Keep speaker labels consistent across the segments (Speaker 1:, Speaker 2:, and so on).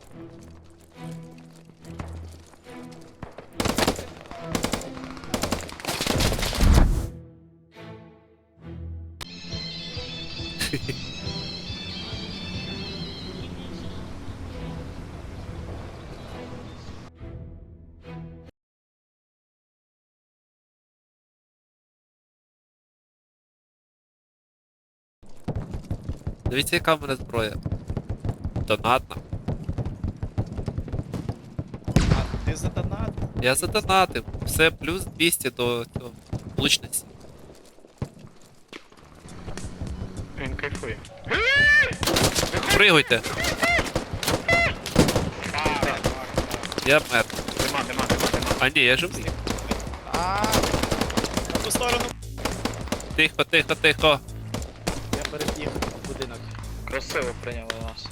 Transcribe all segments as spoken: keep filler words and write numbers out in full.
Speaker 1: Дивіться, яка в мене зброя. Донатна.
Speaker 2: А ти задонат?
Speaker 1: Я задонатив. Все плюс двісті до цього влучності.
Speaker 3: Він кайфує.
Speaker 1: Пригуйте. Я мер.
Speaker 3: Нема, нема, нема, нема.
Speaker 1: А ні, я живий.
Speaker 2: А, на ту сторону.
Speaker 1: Тихо, тихо, тихо.
Speaker 2: Я перебіг в будинок.
Speaker 3: Красиво прийняли нас.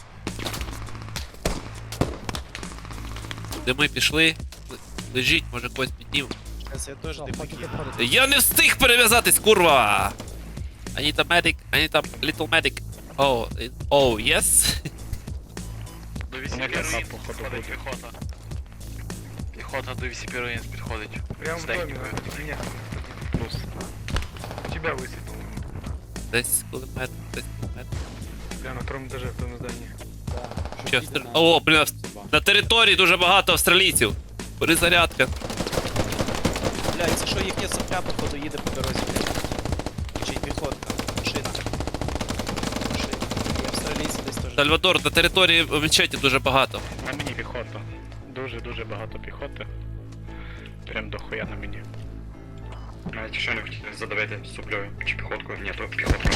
Speaker 1: Де ми пішли? Лежіть, може когось піднімемо.
Speaker 2: Зараз я теж дивлюсь.
Speaker 1: Я не встиг перев'язатись, курва! I need a medic, I need a little medic. Oh, it- oh, yes?
Speaker 4: До вісі
Speaker 3: Вони
Speaker 4: руїн
Speaker 3: походу
Speaker 4: підходить
Speaker 3: будуть.
Speaker 4: піхота. Піхота до вісі руїн підходить.
Speaker 3: Прям
Speaker 4: З
Speaker 3: в доме,
Speaker 4: технікою.
Speaker 3: нет, плюс. У тебя высыпал.
Speaker 1: Десь кулемет, десь кулемет.
Speaker 3: Прям на втором этаже, в том здании.
Speaker 1: Що, стр... О, блін, на території дуже багато австралійців. Перезарядка.
Speaker 2: Блядь, це що їхня сопля, походу, їде по дорозі. Чи піхотка, машина. Машина. І австралійці десь теж.
Speaker 1: Сальвадор, на території в мечеті дуже багато.
Speaker 3: На мені піхота. Дуже-дуже багато піхоти. Прям дохуя на мені.
Speaker 4: Навіть якщо не хотіли задавити суплею чи піхоткою, ні, то піхоткою.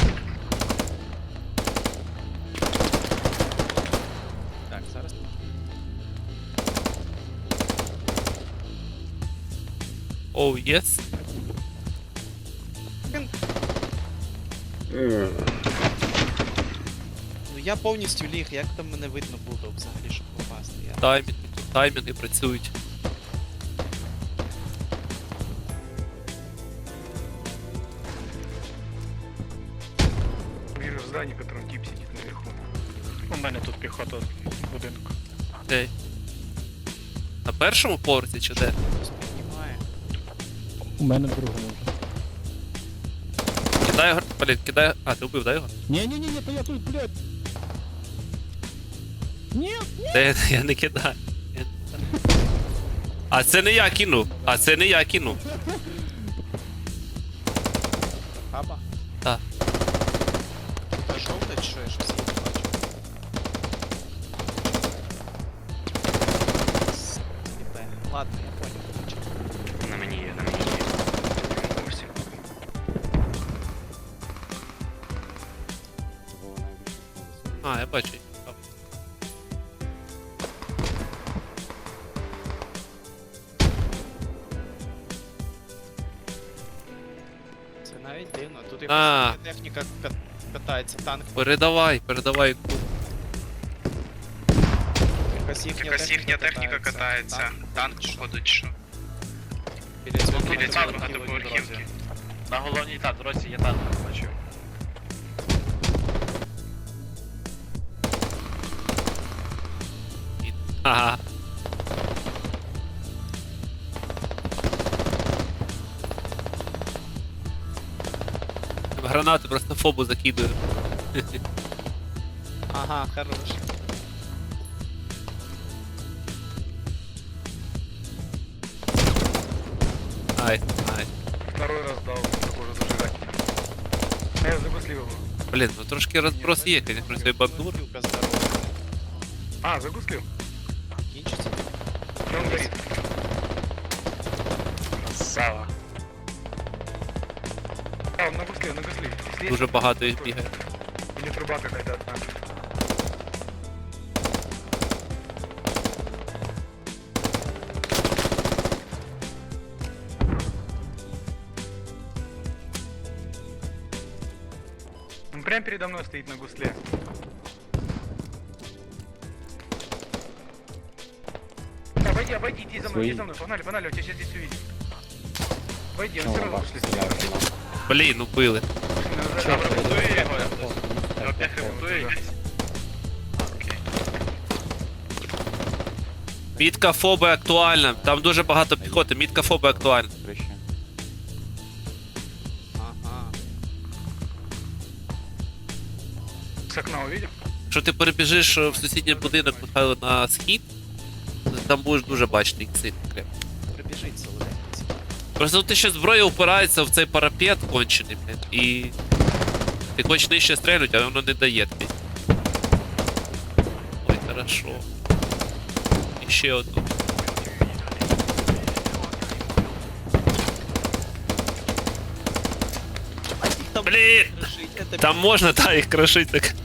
Speaker 2: Так, зараз.
Speaker 1: Oh, yes.
Speaker 2: Ну я повністю ліг, як там мене видно було взагалі, щоб попасти. Я...
Speaker 1: Таймінг, таймінги працюють.
Speaker 3: Вижу здание, в котором тип сидит наверху. У мене тут піхота в будинку.
Speaker 1: Окей. На першому поверсі чи де?
Speaker 2: Просто піднімає.
Speaker 5: У мене другому вже.
Speaker 1: Кидай його, блін, кидай. А, ти вбив, дай його?
Speaker 5: Ні-ні-ні, то я тут, блядь. Ні,
Speaker 1: Та я, я не кидаю. Я не кидаю. А це не я кинув. А це не я кинув.
Speaker 2: Хаба?
Speaker 1: Так.
Speaker 2: Та жовта чи що, я щось її не бачу. Сліпе. Ладно, я понял. короче.
Speaker 4: На мені є, на мені є. На поверсі.
Speaker 1: А, я бачу.
Speaker 2: Це навіть дивно. Тут
Speaker 1: А.
Speaker 2: якась техніка ка- катається, танк.
Speaker 1: Передавай, передавай.
Speaker 2: Якась їхня
Speaker 4: Якась їхня техніка катається. Танк, походу, чи що?
Speaker 2: Біля цього
Speaker 4: Біля цього
Speaker 2: багатоповерхівки.
Speaker 4: багатоповерхівки.
Speaker 6: На головній та дорозі є танк, бачу.
Speaker 1: Ага. Гранати просто фобу закидую.
Speaker 2: Ага, хорош.
Speaker 1: Ай, ай.
Speaker 3: Второй раз дал, похоже, зажигать. А я загуслил его.
Speaker 1: Блін, ну трошки розброс є, конечно, цієї бандури.
Speaker 2: Багатоповерхівка здорова.
Speaker 3: А, загуслил.
Speaker 2: Кінчиться.
Speaker 3: И он горит.
Speaker 6: Красава.
Speaker 3: А, он нагуслил, нагуслил. Если
Speaker 1: Дуже
Speaker 3: есть-
Speaker 1: багато їх бігає.
Speaker 3: Или труба какая-то одна. Он прям передо мной стоит на гусле. Обойди, обойди, иди за мной, иди за мной, погнали, погнали, он тебя сейчас здесь увидит. Обойди, он все равно ушли.
Speaker 1: Блін, убили.
Speaker 4: Ремонтує його якось. Опять ремонтує якось. Окей.
Speaker 1: Мітка фоби актуальна. Там дуже багато піхоти. Мітка фоби актуальна.
Speaker 2: Ага.
Speaker 3: С окна увидел?
Speaker 1: Якщо ти перебіжиш е, в сусідній будинок, Михайло, на схід, там будеш дуже бачити їх сильно крепко.
Speaker 2: Прибіжить солоденький.
Speaker 1: Просто ти ще зброя упирається в цей парапет кончений, блядь, і ти хочеш нижче стрельнути, а воно не дає тобі. Ой, хорошо. І ще одну.
Speaker 2: Їх там
Speaker 1: Блін!
Speaker 2: кришить, это
Speaker 1: Там можна, та, їх крошити, так.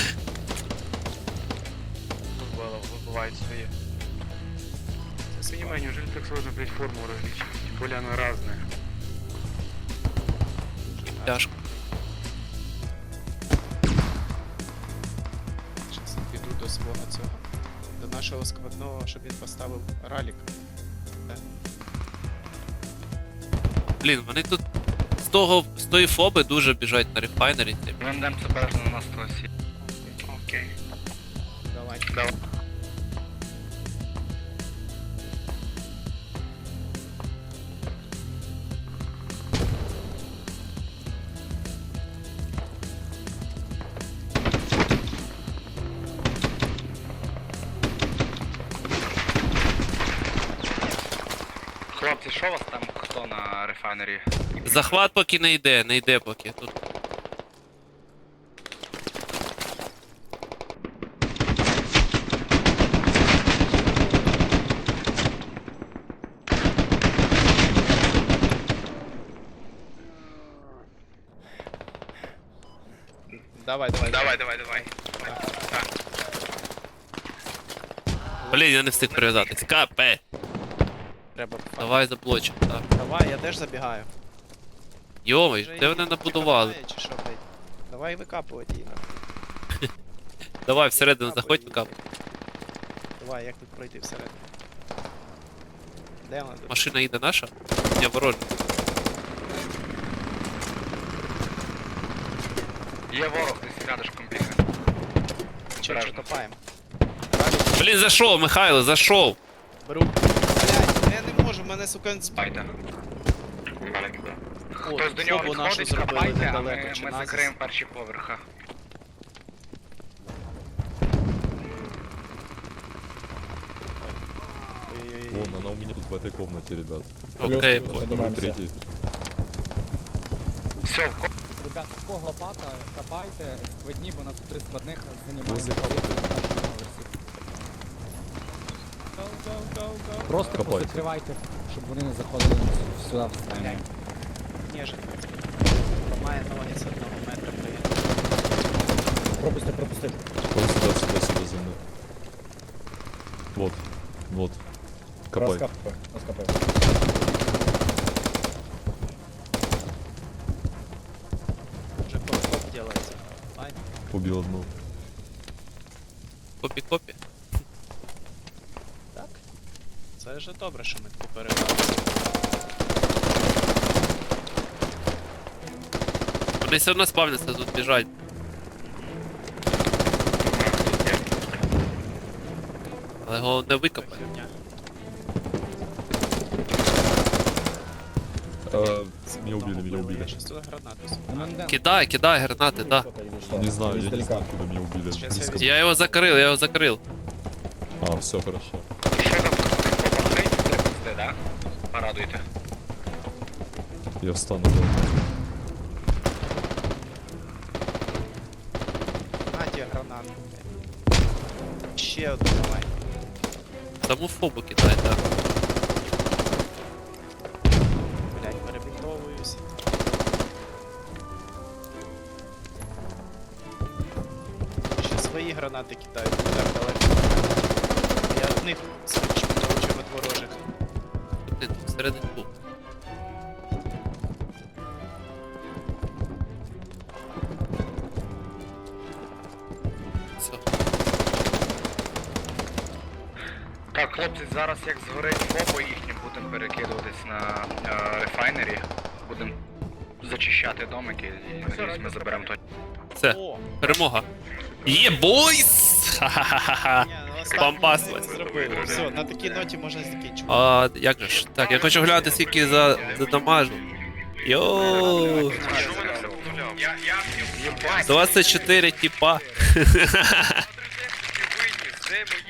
Speaker 6: Вибили- Вибивають свої.
Speaker 3: Понимаю, неужели так сложно, блядь, форму различить? Тем более она разная.
Speaker 1: Тяжко.
Speaker 2: Щас піду до свого цього. До нашого складного, щоб він поставив ралік.
Speaker 1: Блін, вони тут з того, з тої фоби дуже біжать на рефайнері.
Speaker 4: Вендем це бережно на стосі. Окей.
Speaker 2: Давай.
Speaker 4: Давай. Хлопці, що у вас там хто на рефайнері?
Speaker 1: Захват поки не йде, не йде поки. Тут
Speaker 2: Давай, давай.
Speaker 4: Давай, давай, давай.
Speaker 1: Блін, я не встиг прив'язатись. Капе!
Speaker 2: Треба.
Speaker 1: Давай заблочимо, так.
Speaker 2: Давай, я теж забігаю.
Speaker 1: Йомай,
Speaker 2: Вже
Speaker 1: де
Speaker 2: її
Speaker 1: вони набудували?
Speaker 2: прикопає, чи що, блядь? Давай викапувати її нахуй.
Speaker 1: Давай всередину заходь, кап.
Speaker 2: Давай, як тут пройти всередину? Де вона?
Speaker 1: Машина їде наша? Я ворожа.
Speaker 4: Є ворог, десь рядышком бігає.
Speaker 2: Че, що
Speaker 4: Обережно.
Speaker 2: копаємо? Ралік,
Speaker 1: Блін, зайшов, Михайло, зайшов.
Speaker 2: беру. Блядь, я не можу, мене, сука, з...
Speaker 4: Спайте.
Speaker 2: О,
Speaker 4: Хтось до нього
Speaker 2: фобу нашу
Speaker 4: підходить,
Speaker 2: зробили
Speaker 4: копайте, а
Speaker 2: недалеко,
Speaker 4: ми,
Speaker 2: чи
Speaker 4: ми
Speaker 2: назис.
Speaker 4: закриємо перші поверха.
Speaker 2: Ой-ой-ой.
Speaker 7: Вон, она у меня тут в этой комнате, ребят.
Speaker 1: Окей,
Speaker 7: Номер третий.
Speaker 4: Все, в ко-
Speaker 5: Ребята, в кого лопата, копайте, складні, бо у нас тут три складних
Speaker 7: Возле
Speaker 5: займають
Speaker 7: кого-то.
Speaker 5: Просто
Speaker 7: Копайте.
Speaker 5: закривайте, щоб вони не заходили сюди в стайню.
Speaker 2: Ніжить. Має ноги з одного метра привіт.
Speaker 5: Пропусти, пропусти.
Speaker 7: Он сюда, сюда, сюда за мной. Вот, вот. Копай.
Speaker 5: Розкапай, розкапай.
Speaker 2: Вже коп делається. Ай,
Speaker 7: Убил одну.
Speaker 1: Копі-копі.
Speaker 2: так. Це вже добре, що ми таку переграли.
Speaker 1: Вони все одно спавняться, тут біжать. Але його не викопай.
Speaker 2: Херня.
Speaker 7: А, меня убили, меня
Speaker 2: Я
Speaker 7: убили.
Speaker 2: щас туди гранату закину.
Speaker 1: Кидай, кидай гранати, да.
Speaker 7: Не знаю, я не знаю, куда меня убили.
Speaker 2: Сейчас я
Speaker 7: Близко.
Speaker 1: Я його закрив, я його закрив.
Speaker 7: А, все хорошо.
Speaker 4: ще там попадайте, припусти, да? Порадуйте.
Speaker 7: Я встану. Да.
Speaker 2: На ті гранату. Ще одну давай.
Speaker 1: Саму фобу кидай, так.
Speaker 2: Блять, перебінтовуюсь. Ще свої гранати кидають, не так далеко. Я в них свідчу получив від ворожих.
Speaker 1: Ти тут всередині був. Все.
Speaker 4: Так, хлопці, зараз як згорить фобо їхнє, будемо перекидуватись на е, рефайнері. Будемо зачищати домики і надіюсь, ми заберемо той.
Speaker 1: Все,
Speaker 2: О!
Speaker 1: перемога. Є бойс! Ха-ха-ха-ха!
Speaker 2: Ні, ну
Speaker 1: бомбасувати.
Speaker 2: Зробили. Все, на такій ноті можна закінчувати.
Speaker 1: А як же ж? Так, я хочу глянути, скільки за, за дамажу. Йоу.
Speaker 4: Я, я,
Speaker 1: двадцять чотири типа.
Speaker 4: виніс, де мої